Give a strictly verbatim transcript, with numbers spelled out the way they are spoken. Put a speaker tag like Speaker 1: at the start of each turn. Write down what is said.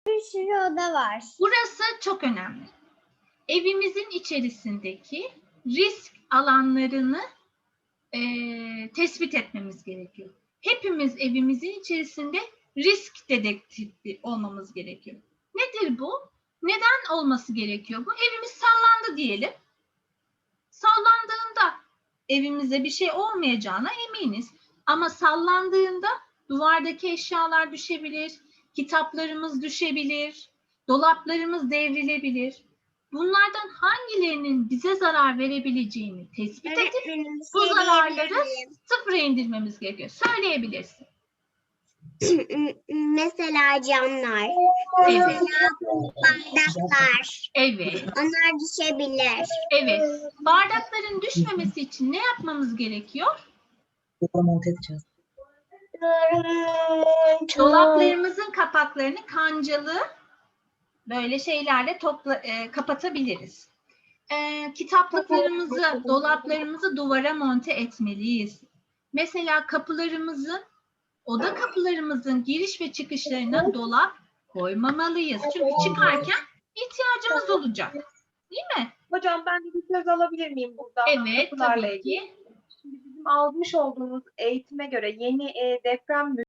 Speaker 1: Bir sürü oda var.
Speaker 2: Burası çok önemli. Evimizin içerisindeki risk alanlarını e, tespit etmemiz gerekiyor. Hepimiz evimizin içerisinde risk dedektifi olmamız gerekiyor. Nedir bu? Neden olması gerekiyor bu? Evimiz sallandı diyelim. Sallandığında evimize bir şey olmayacağına eminiz. Ama sallandığında duvardaki eşyalar düşebilir, kitaplarımız düşebilir, dolaplarımız devrilebilir. Bunlardan hangilerinin bize zarar verebileceğini tespit edip bu zararları sıfıra indirmemiz gerekiyor. Söyleyebilirsin.
Speaker 1: Mesela camlar.
Speaker 2: Evet.
Speaker 1: Mesela bardaklar.
Speaker 2: Evet.
Speaker 1: Onlar düşebilir.
Speaker 2: Evet. Bardakların düşmemesi için ne yapmamız gerekiyor?
Speaker 3: monte edeceğiz.
Speaker 2: Dolaplarımızın kapaklarını kancalı böyle şeylerle topla, e, kapatabiliriz. E, kitaplıklarımızı, dolaplarımızı duvara monte etmeliyiz. Mesela kapılarımızın, oda kapılarımızın giriş ve çıkışlarına dolap koymamalıyız. Çünkü çıkarken ihtiyacımız olacak. Değil mi?
Speaker 4: Hocam ben de bir söz alabilir miyim burada?
Speaker 2: Evet,
Speaker 4: Kapılarla
Speaker 2: tabii
Speaker 4: ilgili.
Speaker 2: ki.
Speaker 4: Şimdi bizim almış olduğumuz eğitime göre yeni e, deprem